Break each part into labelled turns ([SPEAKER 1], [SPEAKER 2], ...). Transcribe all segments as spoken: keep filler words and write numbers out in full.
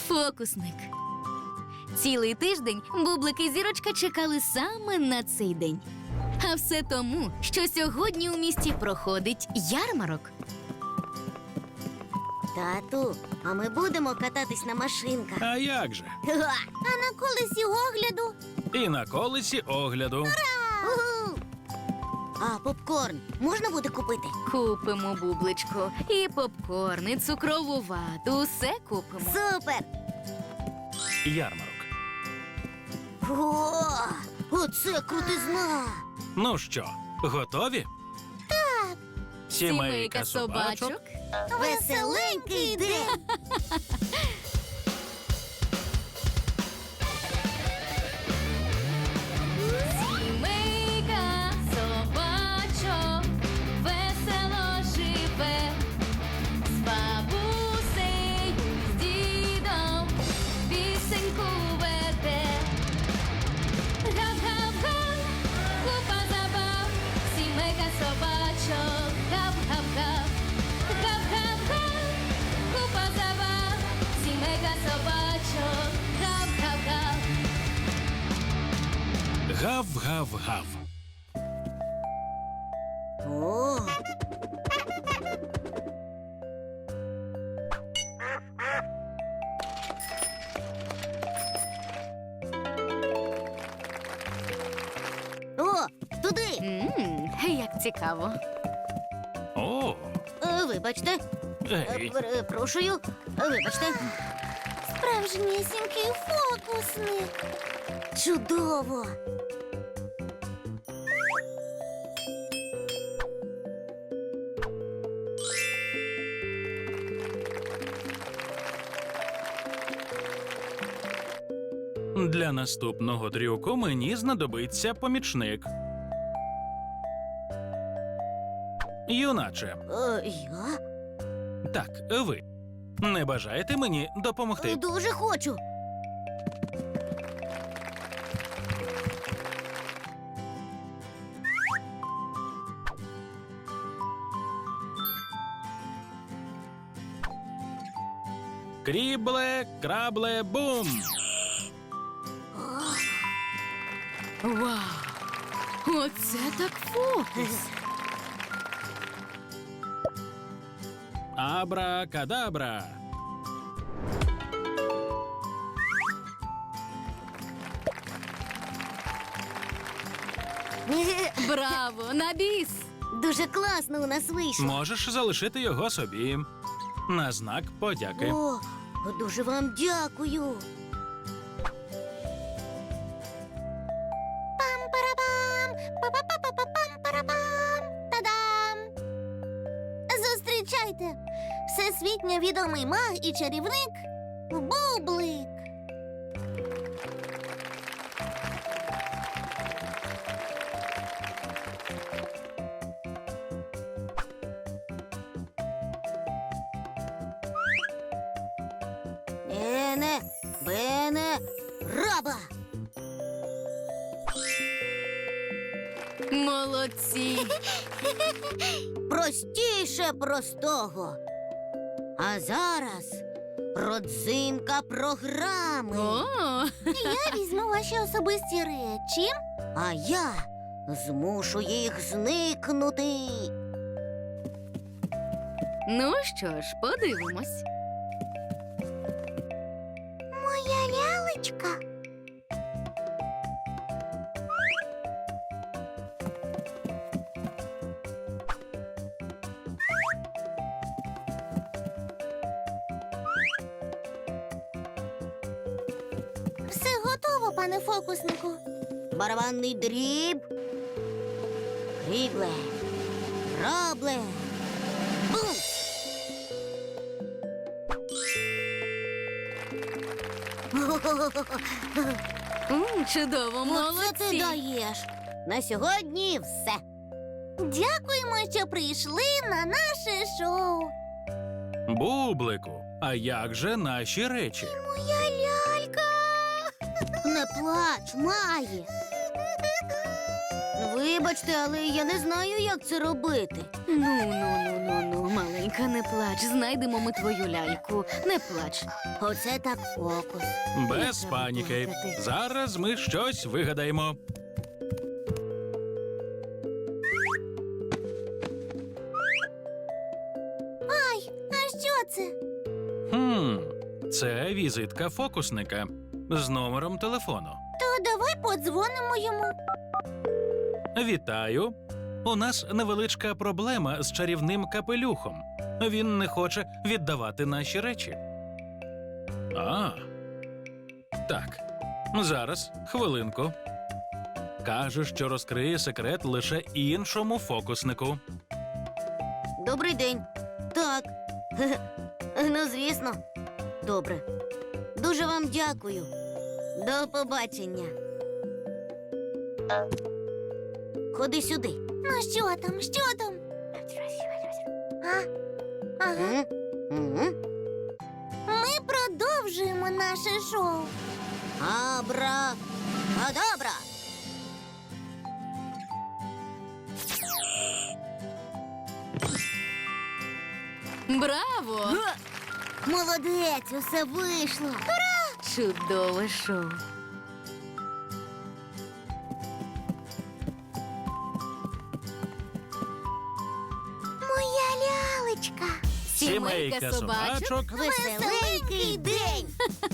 [SPEAKER 1] Фокусник. Цілий тиждень Бублик і Зірочка чекали саме на цей день. А все тому, що сьогодні у місті проходить ярмарок.
[SPEAKER 2] Тату, а ми будемо кататись на машинках.
[SPEAKER 3] А як же?
[SPEAKER 2] А на колесі огляду?
[SPEAKER 3] І на колесі огляду.
[SPEAKER 2] Угу. А попкорн можна буде купити?
[SPEAKER 1] Купимо, Бубличко, і попкорн, і цукрову вату, усе купимо.
[SPEAKER 2] Супер!
[SPEAKER 3] Ярмарок.
[SPEAKER 2] О, оце крутизна!
[SPEAKER 3] Ну що, готові? Так. Сімейка собачок.
[SPEAKER 2] Веселенький день!
[SPEAKER 1] Сімейка собачок весело живе, з бабусею, з дідом пісеньку веде. Гап-гап-га, купа забав, сімейка собачок, гап-гап-га. Гап-гап-га, купа забав, сімейка собачок, гап-гап-га.
[SPEAKER 3] Гав-гав-гав.
[SPEAKER 2] О! О, туди!
[SPEAKER 1] Ммм, як цікаво.
[SPEAKER 3] О,
[SPEAKER 2] Е, Вибачте, Е,
[SPEAKER 3] ей.
[SPEAKER 2] перепрошую, вибачте. Справжнісінький фокусник. Чудово!
[SPEAKER 3] Для наступного трюку мені знадобиться помічник. Юначе,
[SPEAKER 2] Е, я?
[SPEAKER 3] так, ви. Не бажаєте мені допомогти?
[SPEAKER 2] Дуже хочу.
[SPEAKER 3] Крібле, крабле, бум!
[SPEAKER 1] Вау! Оце так фокус!
[SPEAKER 3] Абра-кадабра!
[SPEAKER 1] Браво! На біс!
[SPEAKER 2] Дуже класно у нас вийшло.
[SPEAKER 3] Можеш залишити його собі. На знак подяки.
[SPEAKER 2] О, дуже вам дякую. Пам-парабам! Па-па-па-па-пам-парабам! Та-дам! Зустрічайте! Всесвітньо відомий маг і чарівник Бублик. Ене, бене, раба!
[SPEAKER 1] Молодці!
[SPEAKER 2] Простіше простого. А зараз родзинка програми.
[SPEAKER 1] О!
[SPEAKER 2] Я візьму ваші особисті речі, а я змушу їх зникнути.
[SPEAKER 1] Ну що ж, подивимось.
[SPEAKER 2] Моя лялечка. Все готово, пане фокуснику. Барабанний дріб. Крібле. Рабле. Бум!
[SPEAKER 1] М, чудово,
[SPEAKER 2] Оце ти
[SPEAKER 1] молодці!
[SPEAKER 2] даєш. На сьогодні все. Дякуємо, що прийшли на наше шоу.
[SPEAKER 3] Бублику, а як же наші речі?
[SPEAKER 2] Моя лялька. Не плач, Маї. Вибачте, але я не знаю, як це робити.
[SPEAKER 1] Ну, ну, ну, ну, ну, маленька, не плач. Знайдемо ми твою ляльку. Не плач.
[SPEAKER 2] Оце так фокус.
[SPEAKER 3] Без
[SPEAKER 1] треба
[SPEAKER 3] паніки.
[SPEAKER 1] плакати.
[SPEAKER 3] Зараз ми щось вигадаємо.
[SPEAKER 2] Ай, а що це?
[SPEAKER 3] Хм, це візитка фокусника з номером телефону.
[SPEAKER 2] То давай подзвонимо йому.
[SPEAKER 3] Вітаю. У нас невеличка проблема з чарівним капелюхом. Він не хоче віддавати наші речі. А. Так. Зараз, хвилинку. Каже, що розкриє секрет лише іншому фокуснику.
[SPEAKER 2] Добрий день. Так. Ну, звісно. Добре. Дуже вам дякую. До побачення. Ходи сюди. Ну, що там? Що там? А? Ага. Ми продовжуємо наше шоу. Абра. Адабра.
[SPEAKER 1] Браво!
[SPEAKER 2] Молодець, усе вийшло.
[SPEAKER 1] Чудове шоу.
[SPEAKER 2] Моя лялечка.
[SPEAKER 1] Сімейка собачок.
[SPEAKER 2] Веселенький день.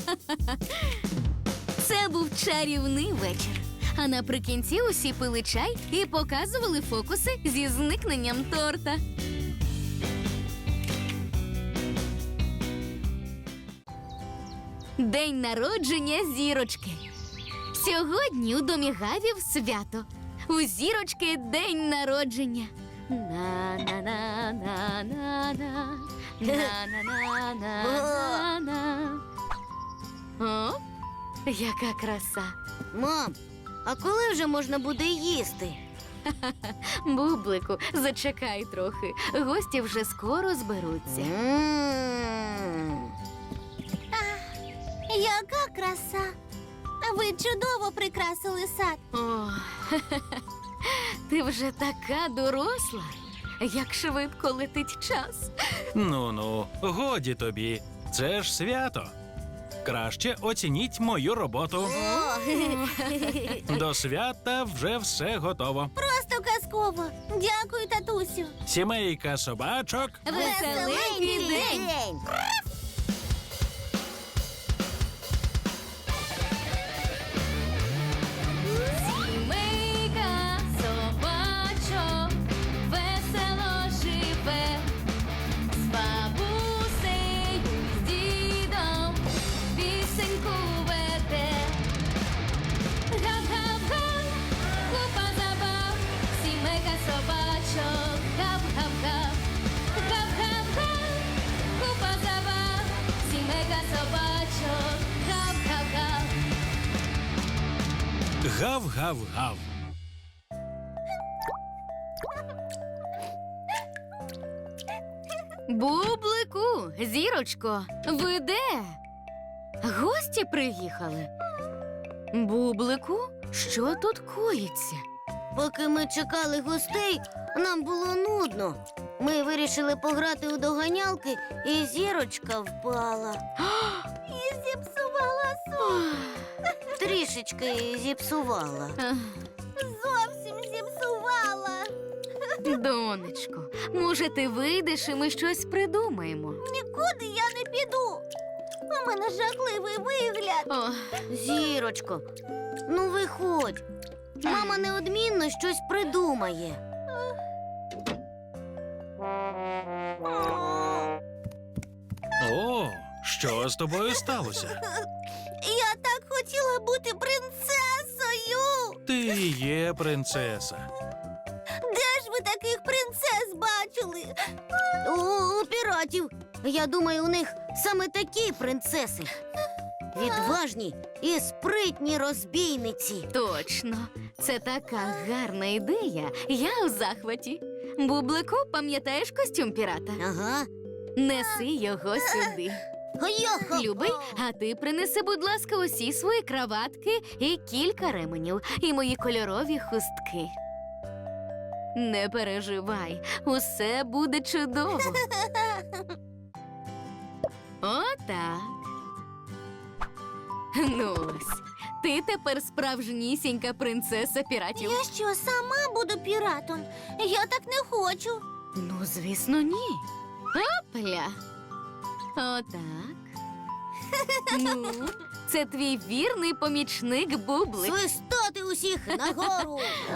[SPEAKER 1] Це був чарівний вечір. А наприкінці усі пили чай і показували фокуси зі зникненням торта. День народження зірочки. Сьогодні у домі Гавів свято. У зірочки день народження. На-на-на-на-на-на. На-на-на-на-на-на. О, яка краса.
[SPEAKER 2] Мам, а коли вже можна буде їсти?
[SPEAKER 1] Бублику, зачекай трохи. Гості вже скоро зберуться.
[SPEAKER 2] М. Яка краса! Ви чудово прикрасили сад.
[SPEAKER 1] О, ти вже така доросла. Як швидко летить час.
[SPEAKER 3] Ну-ну, годі тобі. Це ж свято. Краще оцініть мою роботу. До свята вже все готово.
[SPEAKER 2] Просто казково. Дякую, татусю.
[SPEAKER 3] Сімейка собачок.
[SPEAKER 1] Веселенький день. Сімейка собачок весело живе, з бабусею, з дідом пісеньку веде. Гав-гав-га, купа забав, сімейка собачок, гав-гав-гав. Гав-гав-га, купа забав, сімейка собачок, гав-гав-гав.
[SPEAKER 3] Гав-гав-гав.
[SPEAKER 1] Бублику, зірочко, ви де? Гості приїхали. Бублику, що тут коїться?
[SPEAKER 2] Поки ми чекали гостей, нам було нудно. Ми вирішили пограти у доганялки, і зірочка впала. І зіпсувала сон. Трішечки зіпсувала.
[SPEAKER 1] Ах,
[SPEAKER 2] Зовсім зіпсувала.
[SPEAKER 1] Донечко, може, ти вийдеш і ми щось придумаємо.
[SPEAKER 2] Нікуди я не піду. У мене жахливий вигляд.
[SPEAKER 1] О,
[SPEAKER 2] Зірочко, ну виходь. Мама неодмінно щось придумає.
[SPEAKER 3] О, що з тобою сталося?
[SPEAKER 2] Я так хотіла бути принцесою.
[SPEAKER 3] Ти і є принцеса.
[SPEAKER 2] Де ж ви таких принцес бачили? У, у піратів. Я думаю, у них саме такі принцеси. Відважні і спритні розбійниці.
[SPEAKER 1] точно, це така гарна ідея. Я у захваті. Бублику, пам'ятаєш костюм пірата?
[SPEAKER 2] Ага.
[SPEAKER 1] Неси його сюди.
[SPEAKER 2] Йо-хо-хо.
[SPEAKER 1] Любий, а ти принеси, будь ласка, усі свої краватки і кілька ременів, і мої кольорові хустки. Не переживай, усе буде чудово. Отак. Ну ось, ти тепер справжнісінька принцеса піратів.
[SPEAKER 2] Я що, сама буду піратом? Я так не хочу.
[SPEAKER 1] Ну, звісно, ні. Опля. Отак. Ну, це твій вірний помічник Бублик.
[SPEAKER 2] Свистати усіх нагору.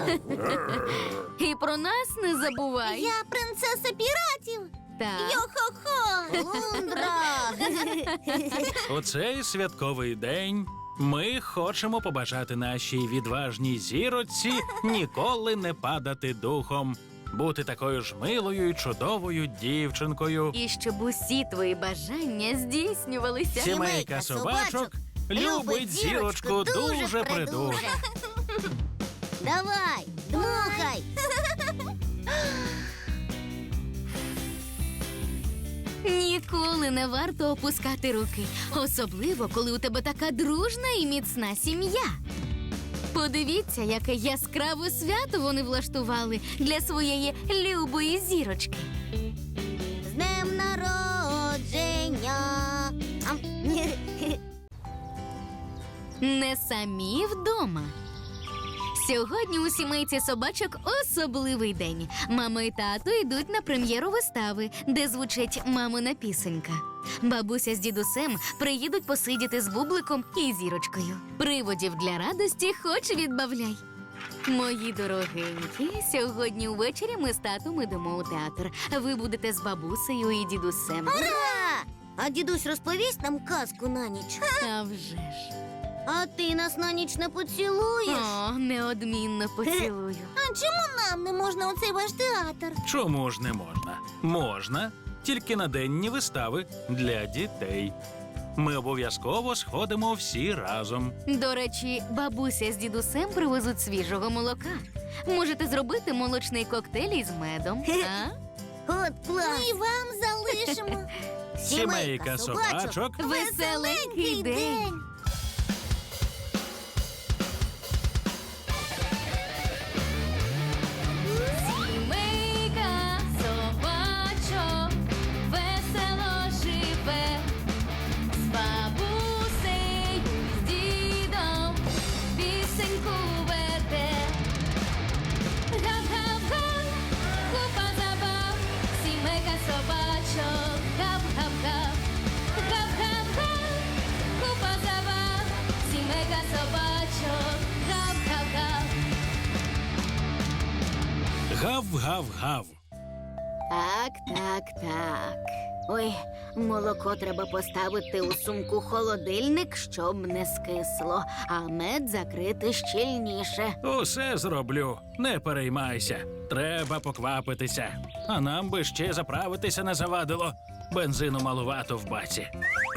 [SPEAKER 1] І про нас не забувай.
[SPEAKER 2] Я принцеса піратів.
[SPEAKER 1] Так.
[SPEAKER 2] Йо-хо-хо. Лундра.
[SPEAKER 3] У цей святковий день ми хочемо побажати нашій відважній зіроці ніколи не падати духом, бути такою ж милою і чудовою дівчинкою.
[SPEAKER 1] І щоб усі твої бажання здійснювалися.
[SPEAKER 3] Сімейка собачок любить зірочку дуже придуже.
[SPEAKER 2] Давай, дмухай.
[SPEAKER 1] Ніколи не варто опускати руки, особливо, коли у тебе така дружна і міцна сім'я. Подивіться, яке яскраве свято вони влаштували для своєї любої зірочки.
[SPEAKER 2] З днем народження. Ам.
[SPEAKER 1] Не самі вдома. Сьогодні у сімейці собачок особливий день. Мама і тато йдуть на прем'єру вистави, де звучить мамина пісенька. Бабуся з дідусем приїдуть посидіти з Бубликом і зірочкою. Приводів для радості хоч відбавляй. Мої дорогенькі, сьогодні увечері ми з татом ідемо у театр. Ви будете з бабусею і дідусем.
[SPEAKER 2] Ура! А дідусь розповість нам казку на ніч.
[SPEAKER 1] А вже ж.
[SPEAKER 2] А ти нас на ніч не поцілуєш?
[SPEAKER 1] О, неодмінно поцілую.
[SPEAKER 2] А чому нам не можна у цей ваш театр?
[SPEAKER 3] Чому ж не можна? Можна, тільки на денні вистави для дітей. Ми обов'язково сходимо всі разом.
[SPEAKER 1] До речі, бабуся з дідусем привезуть свіжого молока. Можете зробити молочний коктейль із медом. А?
[SPEAKER 2] От клас! Ми вам залишимо.
[SPEAKER 3] Сімейка собачок
[SPEAKER 1] Веселенький день! Сімейка собачок весело живе, з бабусею, з дідом пісеньку веде. Гав-гав-га, купа забав, сімейка собачок, гав-гав-гав. Гав-гав-га, купа забав, сімейка собачок, гав-гав-гав.
[SPEAKER 3] гав-гав-гав.
[SPEAKER 2] Так, так, так. Ой, молоко треба поставити у сумку холодильник, щоб не скисло, а мед закрити щільніше.
[SPEAKER 3] Усе зроблю, не переймайся. Треба поквапитися. А нам би ще заправитися не завадило. Бензину малувато в баці.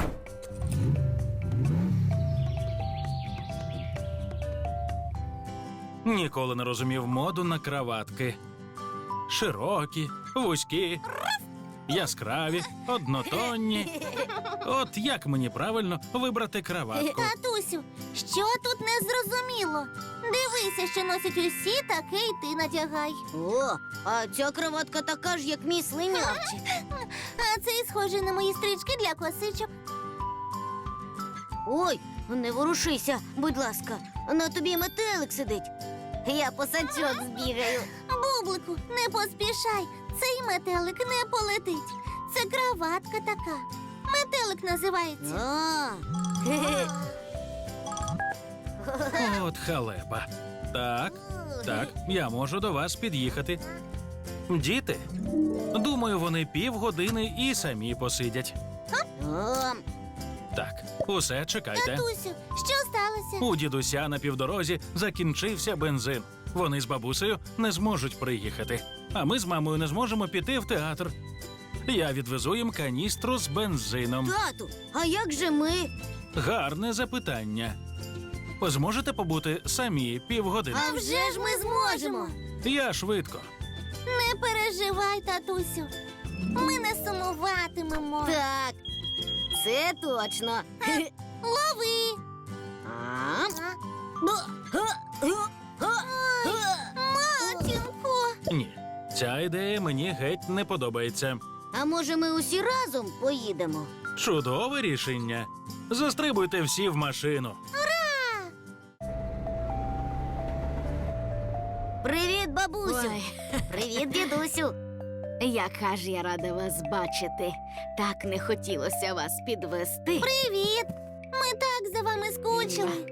[SPEAKER 3] Ніколи не розумів моду на краватки. Широкі, вузькі, яскраві, однотонні. От як мені правильно вибрати краватку?
[SPEAKER 2] Татусю, що тут не зрозуміло? Дивися, що носять усі, таке й ти надягай. О, а ця краватка така ж, як мій слинявчик. А це схоже на мої стрічки для косичок. Ой, не ворушися, будь ласка. На тобі метелик сидить. Я по сачок збігаю. Бублику, не поспішай. Цей метелик не полетить. Це краватка така. Метелик називається.
[SPEAKER 3] От халепа. Так, так, я можу до вас під'їхати. Діти, думаю, вони півгодини і самі посидять. Так, усе, чекайте.
[SPEAKER 2] Татусю, що сталося?
[SPEAKER 3] У дідуся на півдорозі закінчився бензин. Вони з бабусею не зможуть приїхати. А ми з мамою не зможемо піти в театр. Я відвезу їм каністру з бензином.
[SPEAKER 2] Тату, а як же ми?
[SPEAKER 3] Гарне запитання. Зможете побути самі півгодини?
[SPEAKER 2] А вже ж ми зможемо.
[SPEAKER 3] Я швидко.
[SPEAKER 2] Не переживай, татусю. Ми не сумуватимемо. Так, Це точно. Лови. Матінко.
[SPEAKER 3] Ні, ця ідея мені геть не подобається.
[SPEAKER 2] А може ми усі разом поїдемо?
[SPEAKER 3] Чудове рішення. Застрибуйте всі в машину.
[SPEAKER 2] Привіт, бабусю.
[SPEAKER 1] Ой.
[SPEAKER 2] Привіт, дідусю.
[SPEAKER 1] Яка ж я рада вас бачити. Так не хотілося вас підвести.
[SPEAKER 2] Привіт. Ми так за вами скучили.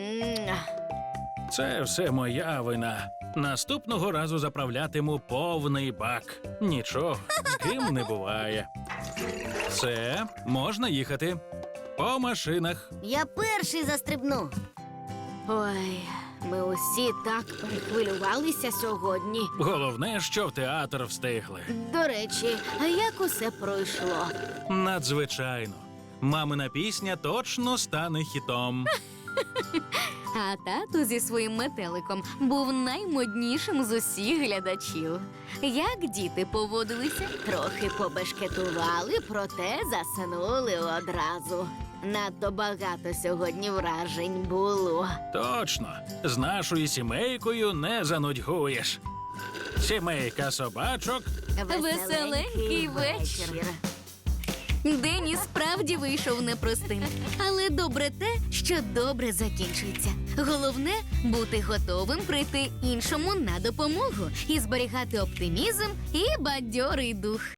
[SPEAKER 3] Це все моя вина. Наступного разу заправлятиму повний бак. Нічого, з ким не буває. Все, можна їхати. По машинах.
[SPEAKER 2] Я перший застрибну.
[SPEAKER 1] Ой, ми усі так перехвилювалися сьогодні.
[SPEAKER 3] Головне, що в театр встигли.
[SPEAKER 1] До речі, а як усе пройшло?
[SPEAKER 3] Надзвичайно. Мамина пісня точно стане хітом.
[SPEAKER 1] А тато зі своїм метеликом був наймоднішим з усіх глядачів. Як діти поводилися? Трохи побешкетували, проте заснули одразу. Надто багато сьогодні вражень було.
[SPEAKER 3] Точно, з нашою сімейкою не занудьгуєш. Сімейка собачок.
[SPEAKER 1] Веселенький вечір. День і справді вийшов непростим. Але добре те, що добре закінчується. Головне – бути готовим прийти іншому на допомогу і зберігати оптимізм і бадьорий дух.